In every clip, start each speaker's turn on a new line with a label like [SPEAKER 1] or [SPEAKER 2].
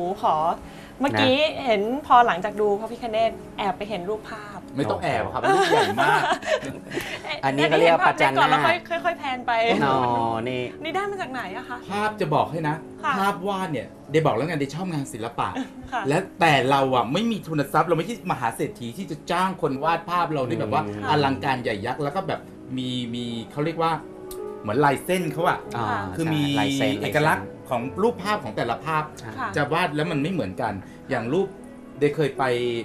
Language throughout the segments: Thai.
[SPEAKER 1] ขอเมื่อกี้เห็นพอหลังจากดูพระพิฆเนศแอบไปเห็นรูปภาพ
[SPEAKER 2] ไม่ต้องแอบครับรูปใหญ่มาก
[SPEAKER 3] อันนี้ก็เรียกประจันหน้า
[SPEAKER 1] แล้วค่อยๆแพนไป
[SPEAKER 3] อ๋อ
[SPEAKER 1] นี่ได้มาจากไหนอะคะ
[SPEAKER 2] ภาพจะบอกให้นะภาพวาดเนี่ยเดบอกแล้วไงเดชอบงานศิลปะและแต่เราอ่ะไม่มีทุนทรัพย์เราไม่ใช่มหาเศรษฐีที่จะจ้างคนวาดภาพเราได้แบบว่าอลังการใหญ่ยักษ์แล้วก็แบบมีเขาเรียกว่าเหมือนลายเส้นเขาอะคือมีเอกลักษณ์ของรูปภาพของแต่ละภาพจะวาดแล้วมันไม่เหมือนกันอย่างรูปเดเคยไป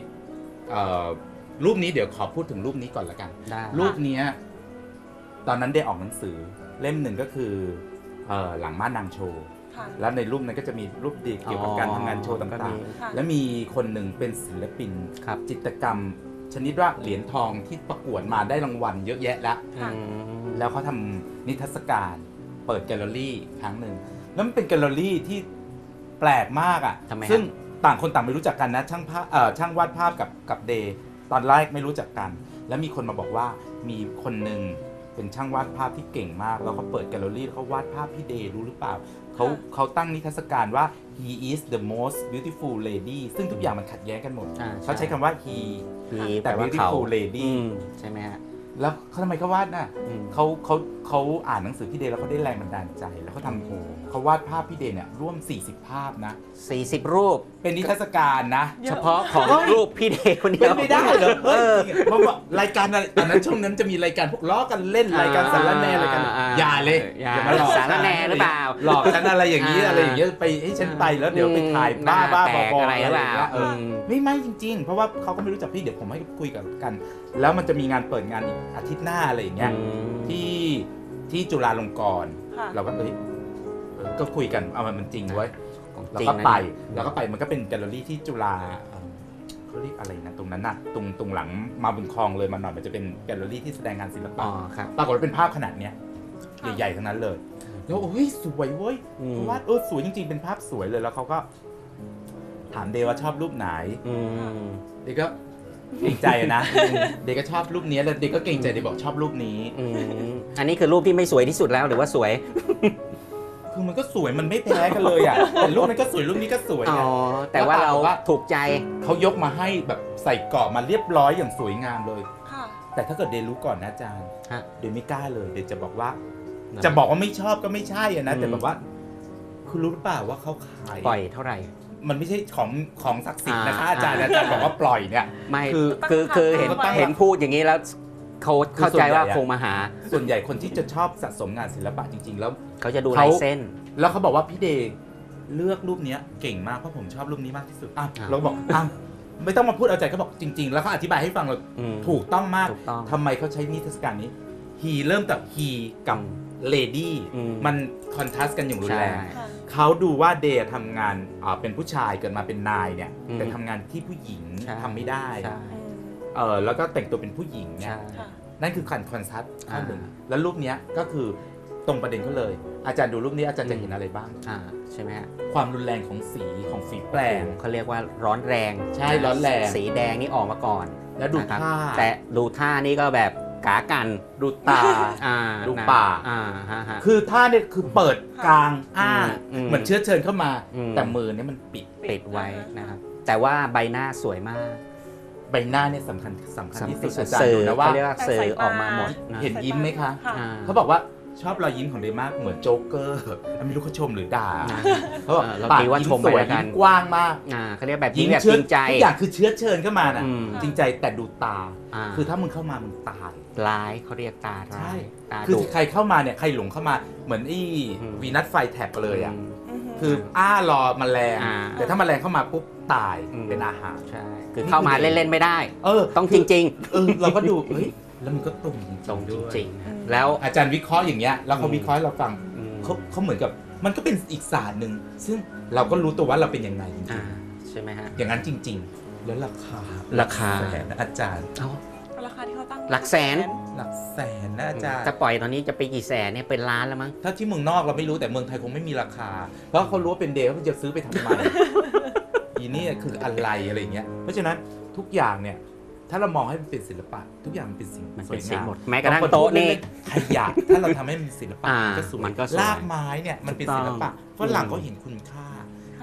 [SPEAKER 2] รูปนี้เดี๋ยวขอพูดถึงรูปนี้ก่อนละกันรูปนี้ตอนนั้นได้ออกหนังสือเล่มหนึ่งก็คือหลังม่านนางโชว์แล้วในรูปนั้นก็จะมีรูปเด็กเกี่ยวกับการทำงานโชว์ต่างๆและมีคนหนึ่งเป็นศิลปินจิตรกรรมชนิดว่าเหรียญทองที่ประกวดมาได้รางวัลเยอะแยะแล้วเขาทำนิทรรศการเปิดแกลเลอรี่ครั้งหนึ่งแล้วมันเป็นแกลเลอรี่ที่แปลกมากอ่ะซึ่งต่างคนต่างไม่รู้จักกันนะช่างวาดภาพกับเดย์ตอนแรกไม่รู้จักกันแล้วมีคนมาบอกว่ามีคนหนึ่งเป็นช่างวาดภาพที่เก่งมากแล้วเขาเปิดแกลเลอรี่เขาวาดภาพพี่เดย์รู้หรือเปล่าเขาตั้งนิทรรศการว่า he is the most beautiful lady ซึ่งทุกอย่างมันขัดแย้งกันหมดเขาใช้คำว่า he แต่ beautiful lady
[SPEAKER 3] ใช่ไหมฮะ
[SPEAKER 2] แล้วเขาทำไมเขาวาดน่ะเขาอ่านหนังสือพี่เดย์แล้วเขาได้แรงบันดาลใจแล้วเขาทำเขาวาดภาพพี่เดย์เนี่ยร่วม40ภาพนะ
[SPEAKER 3] 40รูป
[SPEAKER 2] เป็นนิทรรศการนะ
[SPEAKER 3] เฉพาะของรูปพี่เดย์คนเดียว
[SPEAKER 2] ไม่ได้เหรอเพราะว่ารายการอะไรตอนนั้นช่วงนั้นจะมีรายการพวกล้อกันเล่นรายการสารแหน่รายการอย่าเลย
[SPEAKER 3] อย่ามาหลอกสารแหน่หรือเปล่า
[SPEAKER 2] หลอกฉันอะไรอย่างนี้ไปให้ฉันไปแล้วเดี๋ยวไปถ่ายบ้าบออะไรหรือเปล่าไม่จริงๆเพราะว่าเขาก็ไม่รู้จักพี่เดี๋ยวผมให้คุยกันแล้วมันจะมีงานเปิดงานอีกอาทิตย์หน้าอะไรอย่างเงี้ยที่จุฬาลงกรณ์เราก็ก็คุยกันเอามันจริงไว้แล้วก็ไปมันก็เป็นแกลเลอรี่ที่จุฬาเขาเรียกอะไรนะตรงนั้นน่ะตรงหลังมาบุญคลองเลยมาหน่อยมันจะเป็นแกลเลอรี่ที่แสดงงานศิลปะปรากฏว่าเป็นภาพขนาดเนี้ยใหญ่ๆทั้งนั้นเลยแล้วโอ้ยสวยเว้ยเพราะว่าสวยจริงๆเป็นภาพสวยเลยแล้วเขาก็ถามเดว่าชอบรูปไหนเดก็เกรงใจนะเด็กก็ชอบรูปนี้แล้วเด็กก็เกรงใจเด็กบอกชอบรูปนี้
[SPEAKER 3] อันนี้คือรูปที่ไม่สวยที่สุดแล้วหรือว่าสวย
[SPEAKER 2] คือมันก็สวยมันไม่แพ้กันเลยอ่ะแต่รูปนั้นก็สวยรูปนี้ก็สวย
[SPEAKER 3] อ๋อแต่ว่าเราถูกใจ
[SPEAKER 2] เขายกมาให้แบบใส่เกาะมาเรียบร้อยอย่างสวยงามเลยแต่ถ้าเกิดเดรู้ก่อนนะอาจารย์เดไม่กล้าเลยเดจะบอกว่าไม่ชอบก็ไม่ใช่อ่ะนะแต่แบบว่าคุณรู้หรือเปล่าว่าเขาขาย
[SPEAKER 3] ปล่อยเท่าไหร่
[SPEAKER 2] มันไม่ใช่ของศักดิ์สิทธิ์นะคะอาจารย์บอกว่าปล่อยเนี่ย
[SPEAKER 3] ไม่คือเห็นพูดอย่างนี้แล้วเขาเข้าใจว่าคงมาหา
[SPEAKER 2] ส่วนใหญ่คนที่จะชอบสะสมงานศิลปะจริงๆแล้ว
[SPEAKER 3] เขาจะดูลายเส้น
[SPEAKER 2] แล้วเขาบอกว่าพี่เดย์เลือกรูปนี้เก่งมากเพราะผมชอบรูปนี้มากที่สุดเราบอกไม่ต้องมาพูดเอาใจเขาบอกจริงๆแล้วเขาอธิบายให้ฟังเราถูกต้องมากทำไมเขาใช้นิทรรศการนี้ he เริ่มจาก he กับ lady มันคอนทราสต์กันอย่างรุนแรงเขาดูว่าเดย์ทำงานเป็นผู้ชายเกิดมาเป็นนายเนี่ยแต่ทำงานที่ผู้หญิงทำไม่ได้แล้วก็แต่งตัวเป็นผู้หญิงเนี่ยนั่นคือคอนทราสต์ข้อหนึ่งแล้วรูปนี้ก็คือตรงประเด็นเขาเลยอาจารย์ดูรูปนี้อาจารย์จะเห็นอะไรบ้าง
[SPEAKER 3] ใช่ไหมฮะ
[SPEAKER 2] ความรุนแรงของฝีแปลง
[SPEAKER 3] เขาเรียกว่าร้อนแรง
[SPEAKER 2] ใช่ร้อนแรง
[SPEAKER 3] สีแดงนี่ออกมาก่อน
[SPEAKER 2] แล้วดูท่า
[SPEAKER 3] แต่ดูท่านี่ก็แบบกากัน
[SPEAKER 2] ดูตาดูปากคือท่าเนี่ยคือเปิดกลางเหมือนเชื้อเชิญเข้ามาแต่มือเนี่ยมัน
[SPEAKER 3] ปิดไว้นะครับแต่ว่าใบหน้าสวยมาก
[SPEAKER 2] ใบหน้าเนี่ยสำคัญที่สุดอาจารย์ดูนะว่า
[SPEAKER 3] เรียกว่าเซอร์ออกมาหมด
[SPEAKER 2] เห็นยิ้มไหมคะเขาบอกว่าชอบรอยยิ้มของเดย์มากเหมือนโจ๊กเกอร์ไม่รู้เขาชมหรือด่า
[SPEAKER 3] เขาบอกปากยิ้มสวยยิ้ม
[SPEAKER 2] กว้างมาก
[SPEAKER 3] เขาเรียกแบบยิ้มแบบจริงใจ
[SPEAKER 2] ทุกอย่างคือเชื้อเชิญเข้ามาน่ะจริงใจแต่ดูตาคือถ้ามึงเข้ามามึงตาย
[SPEAKER 3] ร้ายเขาเรียกตาร้าย
[SPEAKER 2] คือใครเข้ามาเนี่ยใครหลงเข้ามาเหมือนวีนัสไฟแท็บเลยอ่ะคือรอแมลงแต่ถ้าแมลงเข้ามาปุ๊บตายเป็นอาหาร
[SPEAKER 3] ใช่คือเข้ามาเล่นๆไม่ได้ต้องจริง
[SPEAKER 2] ๆเราก็ดูเฮ้ยแล้วมันก็ตรง
[SPEAKER 3] จริงๆแล้ว
[SPEAKER 2] อาจารย์วิเคราะห์อย่างเงี้ยแล้วเขาวิเคราะห์เราฟังเขาเหมือนกับมันก็เป็นอีกศาสตร์หนึ่งซึ่งเราก็รู้ตัวว่าเราเป็นยังไงจริง
[SPEAKER 3] ใช่ไหมฮะ
[SPEAKER 2] อย่างนั้นจริงๆแล้วราคาแสนอาจารย์
[SPEAKER 1] ราคาที่เขาตั้ง
[SPEAKER 3] หลักแสน
[SPEAKER 2] นะอาจารย์
[SPEAKER 3] จะปล่อยตอนนี้จะไปกี่แสนเนี่ยเป็นล้านแล้วมั้ง
[SPEAKER 2] ถ้าที่เมืองนอกเราไม่รู้แต่เมืองไทยคงไม่มีราคาเพราะเขารู้ว่าเป็นเดย์เขาจะซื้อไปทำไมอีนี่คืออะไรเงี้ยเพราะฉะนั้นทุกอย่างเนี่ยถ้าเรามองให้มันเป็นศิลปะทุกอย่างมันเป็นสิ่งสวยงาม
[SPEAKER 3] หมดแม้กระทั่งโต๊ะนี่
[SPEAKER 2] ขยะถ้าเราทำให้มันศิลปะก็สวยลากไม้เนี่ยมันเป็นศิลปะฝรั่งเขาเห็นคุณค่า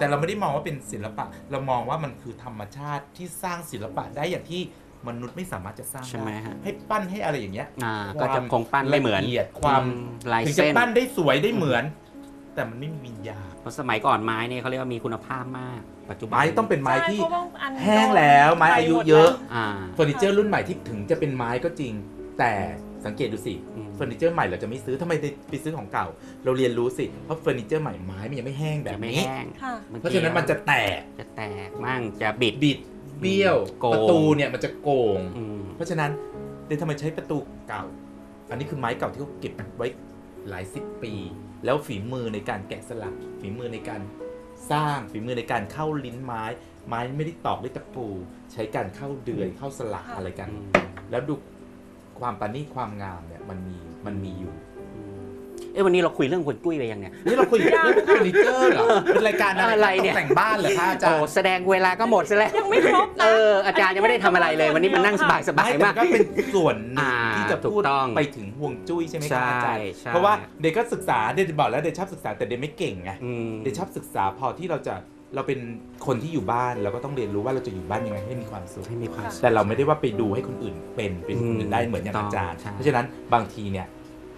[SPEAKER 2] แต่เราไม่ได้มองว่าเป็นศิลปะ เรามองว่ามันคือธรรมชาติที่สร้างศิลปะได้อย่างที่มนุษย์ไม่สามารถจะสร้าง
[SPEAKER 3] ใช่ไหม
[SPEAKER 2] ได้
[SPEAKER 3] ฮะ
[SPEAKER 2] ให้ปั้นให้อะไรอย่างเงี้ย
[SPEAKER 3] ก็จะคงปั้นไม่เหมือน
[SPEAKER 2] ละเอียดความ
[SPEAKER 3] ลาย
[SPEAKER 2] ถึงจะ
[SPEAKER 3] เส้น
[SPEAKER 2] ปั้นได้สวยได้เหมือน แต่มันไม่มีวิญญาณ
[SPEAKER 3] เพราะสมัยก่อนไม้เนี่ยเขาเรียกว่ามีคุณภาพมาก ปัจจุบัน
[SPEAKER 2] ไม้ต้องเป็นไม้ที่
[SPEAKER 1] ใช่เพราะว่าอัน
[SPEAKER 2] แห้งแล้วไม้อายุเยอะ
[SPEAKER 3] อ่า
[SPEAKER 2] เฟอร์นิเจอร์รุ่นใหม่ที่ถึงจะเป็นไม้ก็จริง แต่สังเกตดูสิ
[SPEAKER 3] อืม
[SPEAKER 2] เฟอร์นิเจอร์ใหม่เราจะไม่ซื้อทำไมไปซื้อของเก่า เราเรียนรู้สิเพราะเฟอร์นิเจอร์ใหม่ไม้มันยังไม่แห้งแบบ
[SPEAKER 3] จะไม่
[SPEAKER 2] นี้
[SPEAKER 3] แห้ง
[SPEAKER 1] ค่ะ
[SPEAKER 2] เพราะฉะนั้นมันจะแตก
[SPEAKER 3] จะแตกมั่งจะบิด
[SPEAKER 2] บิดเบี้ยว
[SPEAKER 3] โกง
[SPEAKER 2] ประตูเนี่ยมันจะโกง
[SPEAKER 3] อืม
[SPEAKER 2] เพราะฉะนั้นเดนทำไมใช้ประตูเก่า อันนี้คือไม้เก่าที่เขาเก็บไว้หลายสิบปี แล้วฝีมือในการแกะสลักฝีมือในการสร้างฝีมือในการเข้าลิ้นไม้ ไม้ไม่ได้ตอกด้วยตะปู ใช้การเข้าเดือยเข้าสลัก
[SPEAKER 1] ค่ะ
[SPEAKER 2] อะไรกัน
[SPEAKER 3] อืม
[SPEAKER 2] แล้วดูความประณีตความงามเนี่ยมันมีอยู่
[SPEAKER 3] เอ้ยวันนี้เราคุยเรื่องคนกุ้ยไปยังเนี่ย
[SPEAKER 2] นี่เราคุยเรื่องเฟอร์นิเจอร์เหรอเป็นรายการ
[SPEAKER 3] อะ
[SPEAKER 2] อะไร ไร
[SPEAKER 3] เนี่ย
[SPEAKER 2] ตกแต่งบ้านเหรอคะอาจาร
[SPEAKER 3] โอ้
[SPEAKER 2] ย์
[SPEAKER 3] แสดงเวลาก็หมดซะแล้ว
[SPEAKER 1] ยังไม่ครบนะ
[SPEAKER 3] อาจารย์ยังไม่ได้ทำอะไรเลย วันนี้มันนั่งสบายสบาย
[SPEAKER 2] ไม่
[SPEAKER 3] มาก
[SPEAKER 2] แต่ก็เป็นส่วนหนึ่ง
[SPEAKER 3] อ่า
[SPEAKER 2] ที่จะ
[SPEAKER 3] ถู
[SPEAKER 2] พูด
[SPEAKER 3] กต้อง
[SPEAKER 2] ไปถึงห่วงจุ้ยใช่ไหมค
[SPEAKER 3] ใช่
[SPEAKER 2] รับอาจารย์
[SPEAKER 3] ใช่
[SPEAKER 2] เพราะว่าเด็กก็ศึกษาเด็กบอกแล้วเด็กชอบศึกษาแต่เด็กไม่เก่งไง
[SPEAKER 3] อืม
[SPEAKER 2] เด็กชอบศึกษาพอที่เราเป็นคนที่อยู่บ้านเราก็ต้องเรียนรู้ว่าเราจะอยู่บ้านยังไงให้มีความสุข
[SPEAKER 3] ให้มีความ
[SPEAKER 2] แต่เราไม่ได้ว่าไปดูให้คนอื่นเป็นคนอื่นได้เหมือนอย่าง
[SPEAKER 3] ถูกต้อง
[SPEAKER 2] อาจารย์
[SPEAKER 3] ใช่
[SPEAKER 2] เพราะฉะนั้นบางทีเนี่ย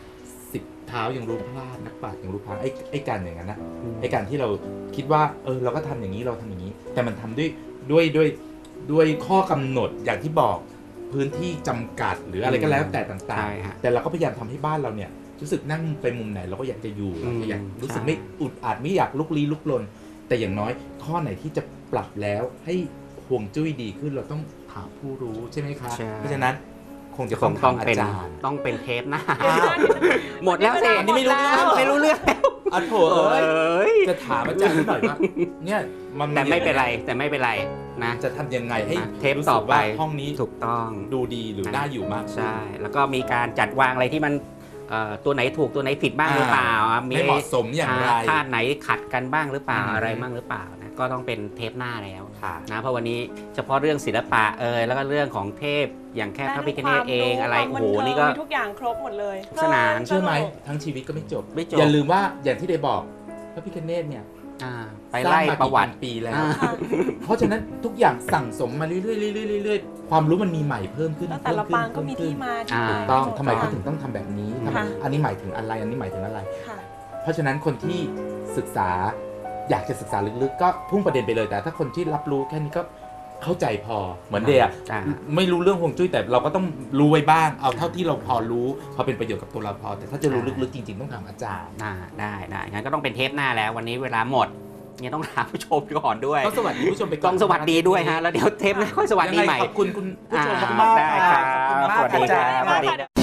[SPEAKER 2] 10 เท้ายังรู้พลาดนักปราชญ์ยังรู้พลาดไอ้การอย่างนั้นนะไอ้การที่เราคิดว่าเราก็ทำอย่างนี้เราทำอย่างนี้ แต่มันทำด้วยข้อกำหนดอย่างที่บอกพื้นที่จำกัดหรืออะไรก็แล้วแต่ต่าง
[SPEAKER 3] ใช่ฮะ
[SPEAKER 2] ๆ แต่เราก็พยายามทำให้บ้านเราเนี่ยรู้สึกนั่งไปมุมไหนเราก็อยากจะอยู่
[SPEAKER 3] อืม
[SPEAKER 2] อยากรู้สึก
[SPEAKER 3] ใช่
[SPEAKER 2] ไม่อุดอัดไม่อยากลุกลี้ลุกลน แต่อย่างน้อยข้อไหนที่จะปรับแล้วให้ห่วงจุ้ยดีขึ้นเราต้องถามผู้รู้ใช่ไหมคะ
[SPEAKER 3] ใช่
[SPEAKER 2] เพราะฉะนั้นคงจะ
[SPEAKER 3] ค
[SPEAKER 2] ต้อง ง
[SPEAKER 3] ต้อง
[SPEAKER 2] ถามอา
[SPEAKER 3] เป็น
[SPEAKER 2] จารย์
[SPEAKER 3] ต้องเป็นเทปหน้า
[SPEAKER 2] อ้าว
[SPEAKER 3] หมดแล้วสิ
[SPEAKER 2] อันนี้ไม่รู้เรื่อง
[SPEAKER 3] ไม่รู้เรื่องแล้ว
[SPEAKER 2] อ่ะโถ
[SPEAKER 3] เอ
[SPEAKER 2] เอ้ย้
[SPEAKER 3] ย
[SPEAKER 2] จะถามอาจารย์หน่อยว่าเนี่ยมัน
[SPEAKER 3] แต่ไม่เป็นไรแต่ไม่เป็นไรนะ
[SPEAKER 2] จะทำยังไงให้
[SPEAKER 3] เทป
[SPEAKER 2] รู้สึก
[SPEAKER 3] ต่อไป
[SPEAKER 2] ว่าห้องนี้
[SPEAKER 3] ถูกต้อง
[SPEAKER 2] ดูดีหรือน่าอยู่มากขึ้น
[SPEAKER 3] ใช่ แล้วก็มีการจัดวางอะไรที่มันตัวไหนถูกตัวไหนผิดบ้างหรือเปล่า
[SPEAKER 2] ไม่เหมาะสมอย่างไร
[SPEAKER 3] ธาตุไหนขัดกันบ้างหรือเปล่า
[SPEAKER 2] อืม
[SPEAKER 3] อะไรบ้างหรือเปล่านะก็ต้องเป็นเทปหน้าแล้ว
[SPEAKER 2] ค่ะ
[SPEAKER 3] นะเพราะวันนี้เฉพาะเรื่องศิลปะแล้วก็เรื่องของเทพอย่างแค่พระพิฆเนศเองอะไร
[SPEAKER 1] ความ
[SPEAKER 3] โอ้โห
[SPEAKER 1] บันเทิง
[SPEAKER 3] นี่ก็
[SPEAKER 1] มีทุกอย่างครบหมดเลย
[SPEAKER 3] สนาน
[SPEAKER 2] เชื่อไหม
[SPEAKER 1] สนุก
[SPEAKER 2] ทั้งชีวิตก็ไม่จบ
[SPEAKER 3] ไม่จบ
[SPEAKER 2] อย่าลืมว่าอย่างที่ได้บอกพระพิฆเนศเนี่ย
[SPEAKER 3] ไปไล่ประวัติ
[SPEAKER 2] สางมากี่พันปีแล้ว
[SPEAKER 3] อ่า
[SPEAKER 1] ค่ะ
[SPEAKER 2] เพราะฉะนั้นทุกอย่างสั่งสมมาเรื่อยๆเรื่อยๆความรู้มันมีใหม่เพิ่มขึ้น
[SPEAKER 1] แล้วแต่ละ
[SPEAKER 2] เพิ่
[SPEAKER 1] ปาง
[SPEAKER 2] ขึ้น
[SPEAKER 1] ก็มี
[SPEAKER 2] เพิ่
[SPEAKER 1] ที่
[SPEAKER 2] ขึ้น
[SPEAKER 1] มา
[SPEAKER 3] อ่า
[SPEAKER 1] ที่
[SPEAKER 2] ถู
[SPEAKER 1] ไป
[SPEAKER 2] กต้องทำไม
[SPEAKER 1] ค่ะ
[SPEAKER 2] เขาถึงต้องทำแบบนี้ทำไม
[SPEAKER 1] ค่ะ
[SPEAKER 2] อันนี้หมายถึงอะไรอันนี้หมายถึงอะไร
[SPEAKER 1] ค่ะ
[SPEAKER 2] เพราะฉะนั้นคนที่ศึกษาอยากจะศึกษาลึกๆ ก็พุ่งประเด็นไปเลยแต่ถ้าคนที่รับรู้แค่นี้ก็เข้าใจพอเหมือนเดีย
[SPEAKER 3] อ่า
[SPEAKER 2] ไม่รู้เรื่องฮวงจุ้ยแต่เราก็ต้องรู้ไว้บ้างเอาเท่าที่เราพอรู้พอเป็นประโยชน์กับตัวเราพอ แต่ถ้าจะรู้ลึกๆจริงๆต้องถามอาจารย์
[SPEAKER 3] ได้งั้นก็ต้องเป็นเทปหน้าแล้ววันนี้เวลาหมดเนี่ยต้องถามผู้ชมก่อนด้วย
[SPEAKER 2] ก็สวัสดีผู้ชมไปก่
[SPEAKER 3] ต้
[SPEAKER 2] อ
[SPEAKER 3] อน งสวัสดีด้วยฮะแล้วเดี๋ยวเทปหน้าค่อยสวัสดี
[SPEAKER 2] ยัง
[SPEAKER 3] ให
[SPEAKER 2] ไง
[SPEAKER 3] ม่
[SPEAKER 2] ขอบคุณคุณผู้ชมมากๆ
[SPEAKER 3] ได้ครับ
[SPEAKER 2] ขอบคุณมาก
[SPEAKER 3] สวัสดี
[SPEAKER 2] อาจารย์
[SPEAKER 3] ครับ
[SPEAKER 1] สวัสดีค่ะ